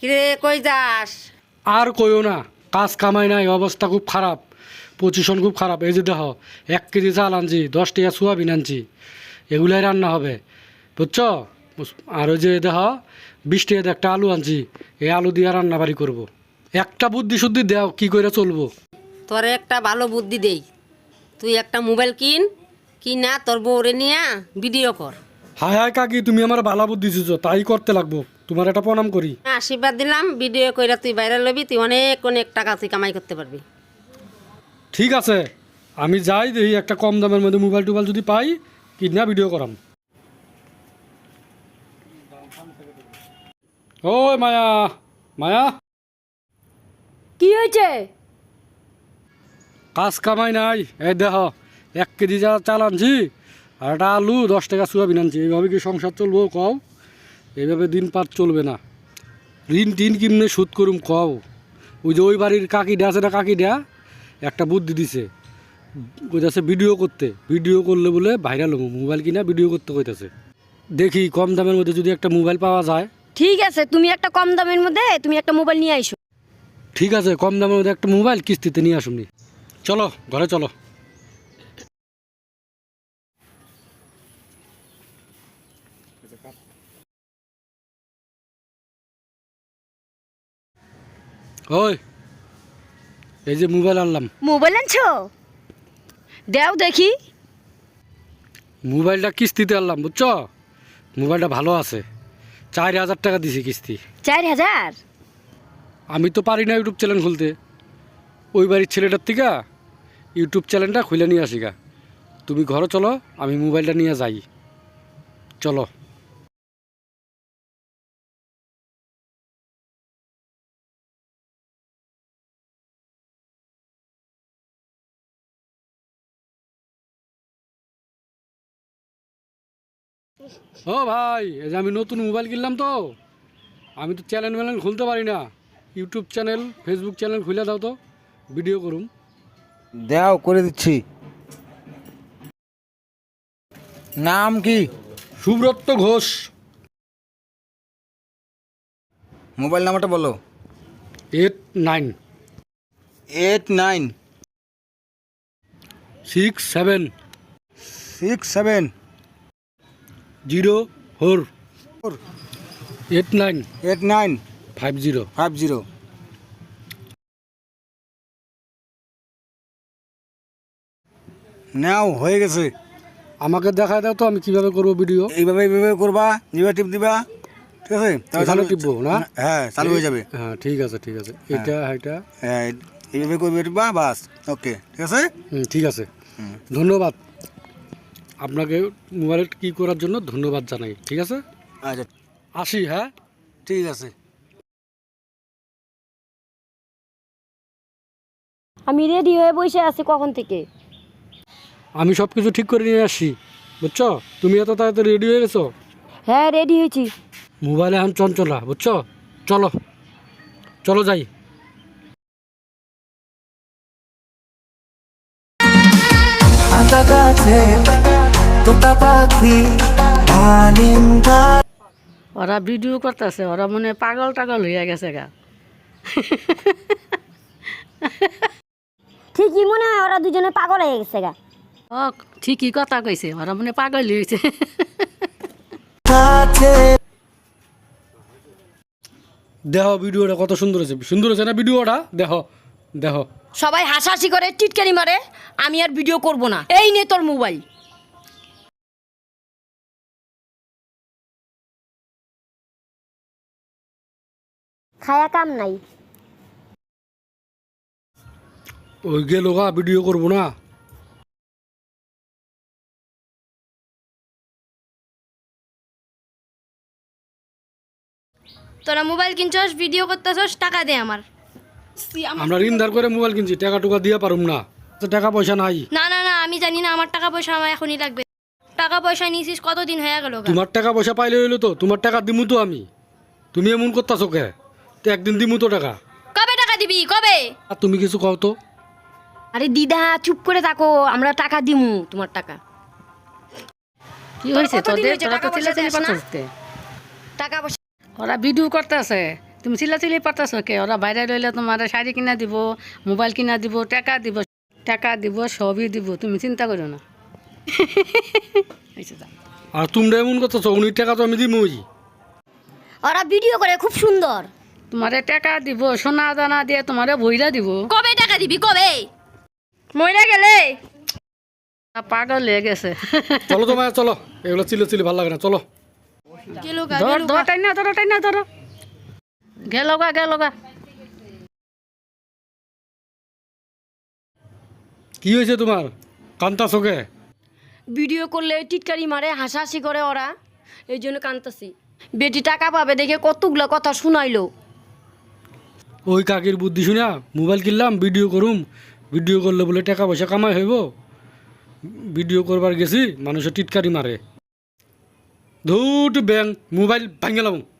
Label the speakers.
Speaker 1: কিরে কই যাস?
Speaker 2: আর কইও না, কাজ কামাই নাই, অবস্থা খুব খারাপ, পজিশন খুব খারাপ। এই যে দেখো 1 কেজি চাল আনছি, 10 টাকা সোয়াবিন আনছি, এগুলাই রান্না হবে, বুঝছো? আর ওই যে দেখো 20 টাকা একটা আলু আনছি, এই আলু দিয়ে রান্না বাড়ি করবো। একটা বুদ্ধি শুদ্ধি দাও, কি করে চলবো?
Speaker 1: তোরে একটা ভালো বুদ্ধি দেই, তুই একটা মোবাইল কিনা তোর বউরে নিয়া ভিডিও কর।
Speaker 2: হায় হায় কাকি, তুমি আমার ভালো বুদ্ধি দিছো, তাই করতে লাগবো। তোমার একটা প্রণাম করি।
Speaker 1: আশীর্বাদ দিলাম, ভিডিও কইরা তুই বাইরে লবি, তুই অনেক অনেক টাকা তুই কামাই করতে পারবি।
Speaker 2: ঠিক আছে, আমি যাই, দেখি একটা কম দামের মধ্যে মোবাইল টোবাইল যদি পাই, কিনা ভিডিও করাম। ওই মায়া, মায়া,
Speaker 3: কি হয়েছে?
Speaker 2: কাজ কামাই নাই, এই দেখো 1 কেজি চাল আনছি, আর একটা আলু 10 টাকা সোয়াবিন আনছি। এইভাবে কি সংসার চলবো কও? এইভাবে দিন পার চলবে না। ঋণ টিন কিমনে শোধ করুম কও? ওই যে ওই বাড়ির কাকিটা আছে না, কাকিটা একটা বুদ্ধি দিছে, কইতাছে ভিডিও করতে, ভিডিও করলে বলে ভাইরাল হবো, মোবাইল কিনা ভিডিও করতে কইতাছে। দেখি কম দামের মধ্যে যদি একটা মোবাইল পাওয়া যায়।
Speaker 3: ঠিক আছে, তুমি একটা কম দামের মধ্যে তুমি একটা মোবাইল নিয়ে আইসো।
Speaker 2: ঠিক আছে, কম দামের মধ্যে একটা মোবাইল কিস্তিতে নিয়ে আসুনি। চলো ঘরে চলো। ওই এই যে মোবাইল আনলাম।
Speaker 3: মোবাইল আনছো? দেও দেখি।
Speaker 2: মোবাইলটা কিস্তিতে আনলাম, বুঝছো? মোবাইলটা ভালো আছে, 4000 টাকা দিছি কিস্তি।
Speaker 3: 4000?
Speaker 2: আমি তো পারি না ইউটিউব চ্যানেল খুলতে, ওই বাড়ির ছেলেটার থেকে ইউটিউব চ্যানেলটা খুলে নিয়ে আসি গা। তুমি ঘরে চলো, আমি মোবাইলটা নিয়ে যাই, চলো। ও ভাই, এই যে আমি নতুন মোবাইল কিনলাম, তো আমি তো চ্যানেল ম্যানেল খুলতে পারি না। ইউটিউব চ্যানেল, ফেসবুক চ্যানেল খুলে দাও তো, ভিডিও করুম।
Speaker 4: দাও, করে দিচ্ছি। নাম কি?
Speaker 2: সুব্রত ঘোষ।
Speaker 4: মোবাইল নাম্বারটা বলো।
Speaker 2: 89
Speaker 4: 89
Speaker 2: 67
Speaker 4: 67
Speaker 2: 04 89
Speaker 4: 89
Speaker 2: 50।
Speaker 4: 50। নাও, হয়ে গেছে।
Speaker 2: আমাকে দেখায় দাও তো, আমি কিভাবে করবো ভিডিও।
Speaker 4: এইভাবে করবা, জিবা টিপ দিবা, ঠিক আছে?
Speaker 2: এখানে টিপবো না?
Speaker 4: হ্যাঁ, চালু হয়ে যাবে।
Speaker 2: হ্যাঁ ঠিক আছে, ঠিক আছে, এটা এটা
Speaker 4: হ্যাঁ, এইভাবে করবে, টিপবা, বাস। ওকে, ঠিক আছে।
Speaker 2: ঠিক আছে, ধন্যবাদ আপনাকে মোবাইল কি করার জন্য ধন্যবাদ জানাই। ঠিক আছে,
Speaker 4: আচ্ছা,
Speaker 2: আসি। হ্যাঁ
Speaker 4: ঠিক আছে।
Speaker 3: আমি রেডি হয়ে বসে আছি কখন থেকে।
Speaker 2: আমি সব কিছু ঠিক করে নিয়ে আসি, বুঝছো? তুমি এত তাড়াতাড়ি রেডি হয়ে গেছো?
Speaker 3: হ্যাঁ, রেডি হয়েছি।
Speaker 2: মোবাইলে এখন চঞ্চলা, বুঝছো? চলো চলো যাই।
Speaker 5: ওরা ভিডিও করতেছে, ওরা মনে হয় পাগল টাগল হয়ে গেছে গা।
Speaker 3: ঠিকই মনে হয় ওরা দুজনে পাগল হয়ে গেছে গা।
Speaker 5: ও ঠিকই কথা কইছে, ওরা মনে হয় পাগল হয়েছে।
Speaker 2: দেখো ভিডিওটা কত সুন্দর হয়েছে, সুন্দর হয়েছে না ভিডিওটা? দেখো দেখো।
Speaker 3: সবাই হাসাহাসি করে টিটকারি মারে, আমি আর ভিডিও করব না। এই নে তোর মোবাইল। খায়া কাম নাই।
Speaker 2: ওই গেল গা, ভিডিও করবো না।
Speaker 6: তোরা মোবাইল কিনছস, ভিডিও করতেছস, টাকা দে আমার।
Speaker 2: আমরা ঋণ ধার করে মোবাইল কিনছি, টাকা টুকা দিয়ে পারুম না, তো টাকা পয়সা নাই।
Speaker 6: না না না, আমি জানি না, আমার টাকা পয়সা আমার এখনই লাগবে। টাকা পয়সা নিয়েছিস কতদিন হয়ে গেল?
Speaker 2: তোমার টাকা পয়সা পাইলে হইলো তো, তোমার টাকা দিমু তো আমি। তুমি এমন করতেছো কে? তো একদিন দিমু তো টাকা।
Speaker 6: কবে টাকা দিবি, কবে?
Speaker 2: আর তুমি কিছু কও তো।
Speaker 3: আরে দিদা চুপ করে থাকো, আমরা টাকা দিমু তোমার টাকা।
Speaker 5: কি হয়েছে
Speaker 3: কতদিন
Speaker 5: তোদের?
Speaker 3: হয়েছে
Speaker 5: তোরা তো
Speaker 3: টাকা পয়সা
Speaker 5: চিল্লাচিল্লি
Speaker 3: দেস না?
Speaker 5: করছিস কে?
Speaker 3: টাকা পয়সা
Speaker 5: ওরা ভিডিও করতেছে, তুমি চিল্লাচিল্লি পারতেছো কে? ওরা বাইরে রইলে তোমার শাড়ি কিনা দিব, মোবাইল কিনা দিব, টাকা দিব, সবই দিব, তুমি চিন্তা করো না। এই যে যাও।
Speaker 2: আর তোমরা এমন করতেছো, উনি টাকা তো আমি দিবই।
Speaker 3: ওরা ভিডিও করে খুব সুন্দর।
Speaker 5: তোমারে টাকা দিব, সোনা দানা দিয়ে তোমারে বইরা দিব।
Speaker 3: কবে টাকা দিবি কবে? মইরা গেলে
Speaker 5: পাগল হয়ে গেছে।
Speaker 2: চলো তোমার চলো, এগুলো চিল্লি ভালো লাগে না, চলো।
Speaker 5: ধর টাইনা ধরো। গেল গা।
Speaker 2: কি হয়েছে তোমার, কান্তা চোখে?
Speaker 3: ভিডিও করলে টিটকারি মারে, হাসাহাসি করে ওরা, এই জন্য কান্তাছি। বেটি টাকা পাবে দেখে কতগুলো কথা শুনাইলো।
Speaker 2: ওই কাকির বুদ্ধি শুনা মোবাইল কিনলাম, ভিডিও করুম, ভিডিও করলে বলে টাকা পয়সা কামাই হইব। ভিডিও করবার গেছি, মানুষের টিটকারি মারে। ধুট ব্যাং মোবাইল ভাঙলাম।